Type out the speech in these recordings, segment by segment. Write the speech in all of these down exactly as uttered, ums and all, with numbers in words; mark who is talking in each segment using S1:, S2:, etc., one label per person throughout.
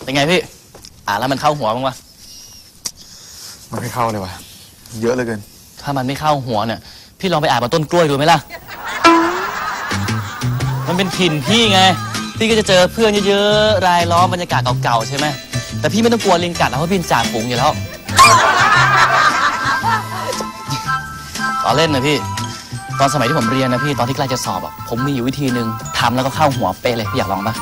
S1: เป็นไงพี่อ่านแล้วมันเข้าหัวบ้างวะ
S2: มันไม่เข้าเลยวะเยอะเหลือเกิน
S1: ถ้ามันไม่เข้าหัวเนี่ยพี่ลองไปอ่านบนต้นกล้วยดูไหมล่ะมันเป็นถิ่นพี่ไงพี่ก็จะเจอเพื่อนเยอะๆรายล้อมบรรยากาศเก่าๆใช่ไหมแต่พี่ไม่ต้องกลัวลิงกัดนะเพราะพี่เป็นจ่าฝูงอยู่แล้วต่อเล่นนะพี่ตอนสมัยที่ผมเรียนนะพี่ตอนที่ใกล้จะสอบอ่ะผมมีอยู่วิธีหนึ่งทำแล้วก็เข้าหัวเป๊ะเลยพี่อยากลองปะ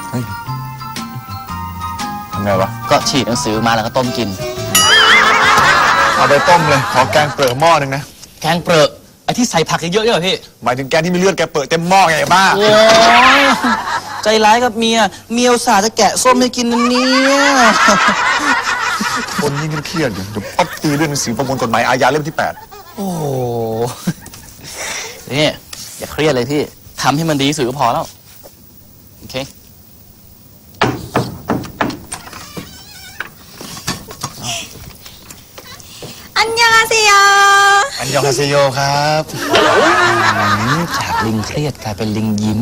S2: ทำไงวะ
S1: ก็ฉีดหนังสือมาแล้วก็ต้มกิน
S2: เอาไปต้มเลยขอแกงเปลือกหม้อหนึ่งนะ
S1: แกงเปลือกไอ้ที่ใส่ผักเยอะๆเนี่ยพี่
S2: หมายถึงแกงที่มีเลือดแกเปลือกเต็มหม้อไงบ้า
S1: โอ้ยใจร้ายกับเมียเมียอุตส่าห์จะแกะส้มให้กินนั่นเนี่ย
S2: คนยิ่งเครียดอยู่เดี๋ยวป๊อปตีเรื่องหนังสือประมวลกฎหมายอาญาเล่มที่แปด
S1: โอ้โหนี่อย่าเครียดเลยพี่ทำให้มันดีที่สุดก็พอแล้วโอเค
S3: อันยองอาเซโย
S2: อันยองอาเซโยครับ
S1: จากลิงเครียดกลายเป็นลิงยิ้ม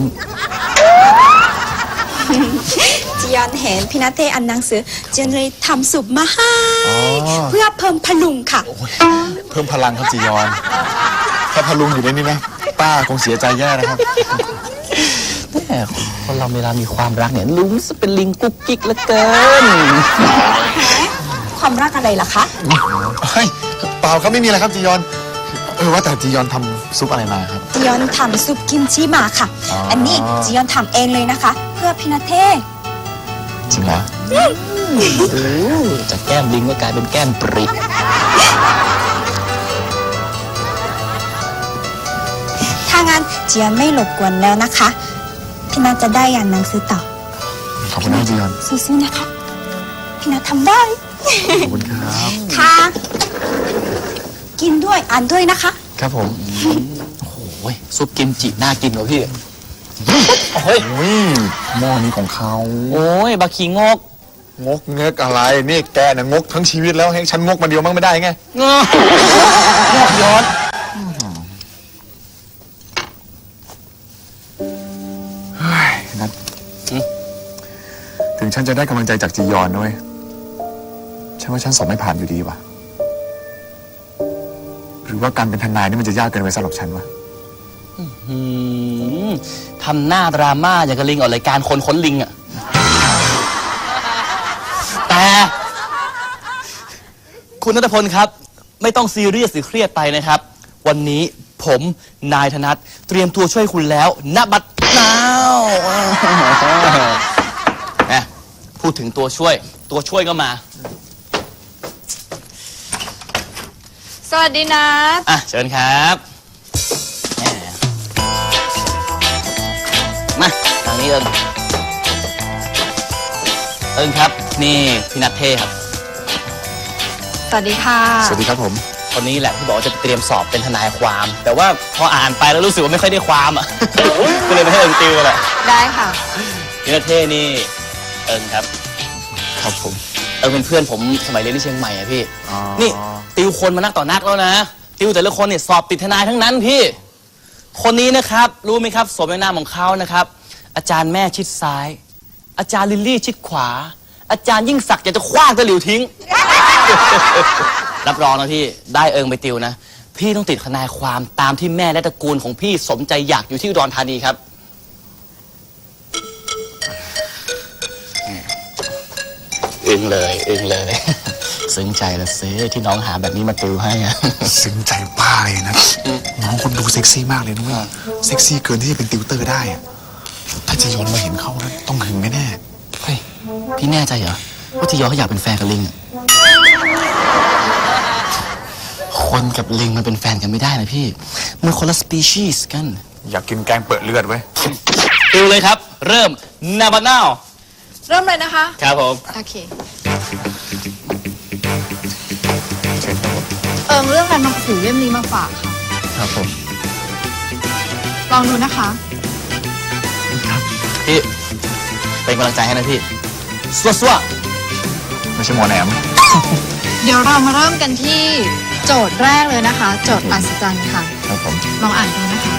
S3: จียอนเห็นพี่นัทเทอ่านหนังสือจียอนเลยทำซุปมาให้เพื่อเพิ่มพลุงค่ะ
S2: เพิ่มพลังครับจียอนถ้าพลุงอยู่ในนี้นะป้าคงเสียใจแย่นะครับ
S1: แต่คนเราเวลามีความรักเนี่ยลุงจะเป็นลิงกุ๊กกิ๊กเหลือเกิน
S3: ความรักอะไรล่ะคะ
S2: เฮ้ยเปล่าครับไม่มีอะไรครับจียอนเออว่าแต่จียอนทำซุปอะไรมาครับ
S3: จียอนทำซุปกิมจิมาค่ะ อ, อันนี้จียอนทำเองเลยนะคะเพื่อพี่นัทเท
S2: จริงเหรอ
S1: จากแก้มลิงก็กลายเป็นแก้มปริ
S3: ถ้างั้นจียอนไม่รบกวนแล้วนะคะพี่นัทจะได้อ่านหนังสือต่อ
S2: ขอบคุณนะจียอน
S3: สู้ๆนะคะพี่นัททำได้
S2: ขอบคุณครับ
S3: ค่ะกินด้วยอ่านด้วยนะคะ
S2: ครับผม
S1: โอ้โหซุปกิมจิน่ากินเหรอพี่
S2: เฮ้ยหม้อนี้ของเขา
S1: โอ้ยบะขี้งก
S2: งกเงกอะไรนี่แกน่ะงกทั้งชีวิตแล้วให้ฉันงกมาเดียวมั่งไม่ได้ไง
S1: งกย้อน
S2: เฮ้ยนัทถึงฉันจะได้กำลังใจจากจียอนด้วยฉันว่าฉันสอบไม่ผ่านอยู่ดีว่ะหรือว่าการเป็นทนายนี่มันจะยากเกินไปสำหรับฉันวะ
S1: ทำหน้าดราม่าอย่างกับลิงออกรายการคนค้นลิงอะแต่คุณณัฐพลครับไม่ต้องซีเรียสหรือเครียดไปนะครับวันนี้ผมนายธนัทเตรียมตัวช่วยคุณแล้วณบัดนาวพูดถึงตัวช่วยตัวช่วยก็มา
S3: สวัสดีนะ
S1: อ่ะเชิญครับมาทางนี้เอิญเอิญครับนี่พี่นัทเทครับ
S3: สวัสดีค่ะ
S2: สวัสดีครับผม
S1: คนนี้แหละที่บอกว่าจะเตรียมสอบเป็นทนายความแต่ว่าพออ่านไปแล้วรู้สึกว่าไม่ค่อยได้ความอ่ะก็เลยไม่ให้เอิญติวแหละ
S3: ได้ค่ะ
S1: พี่นัทเทนี่เอิญครับ
S2: ครับผม
S1: เอิญเป็นเพื่อนผมสมัยเรียนที่เชียงใหม่อะพี่นี่ติวคนมานักต่อนักแล้วนะติวแต่ละคนเนี่ยสอบติดทนายทั้งนั้นพี่คนนี้นะครับรู้ไหมครับสมในนามของเขานะครับอาจารย์แม่ชิดซ้ายอาจารย์ลิลลี่ชิดขวาอาจารย์ยิ่งศักดิ์อยากจะคว้างตะหลิวทิ้ง รับรองนะพี่ได้เอิงไปติวนะพี่ต้องติดทนายความตามที่แม่และตระกูลของพี่สมใจอยากอยู่ที่อุดรธานีครับอึ้งเลยอึ้งเลยซึ้งใจละเซ่ที่น้องหาแบบนี้มาติวให้อะ
S2: ซึ้งใจป้าเลยนะน้องคนดูเซ็กซี่มากเลยนะเว้ยเซ็กซี่เกินที่จะเป็นติวเตอร์ได้อะถ้าจียอนมาเห็นเขาแล้วต้องหึงแน่
S1: ๆเฮ้ยพี่แน่ใจเหรอว่าจียอนเขาอยากเป็นแฟนกับลิงคนกับลิงมันเป็นแฟนกันไม่ได้นะพี่มันคนละสปีชีส์กัน
S2: อยากกินแกงเปิดเลือดเว้ย
S1: ติวเลยครับเริ่มนาบานาว
S3: เริ่มเลยนะคะ
S1: ครับผม
S3: โอเคเอิงเรื่องการมาถือเล่มนี้มาฝากค่ะ
S1: ครับผม
S3: ลองดูนะคะ
S1: ครับพี่เป็นกำลังใจให้นะพี่สัวสัว
S2: ไม่ใช่หมอแหนม
S3: เดี๋ยวเรามาเริ่มกันที่โจทย์แรกเลยนะคะโจทย์อัศจรรย์ค่ะ
S2: ครับผม
S3: ลองอ่านดูนะคะ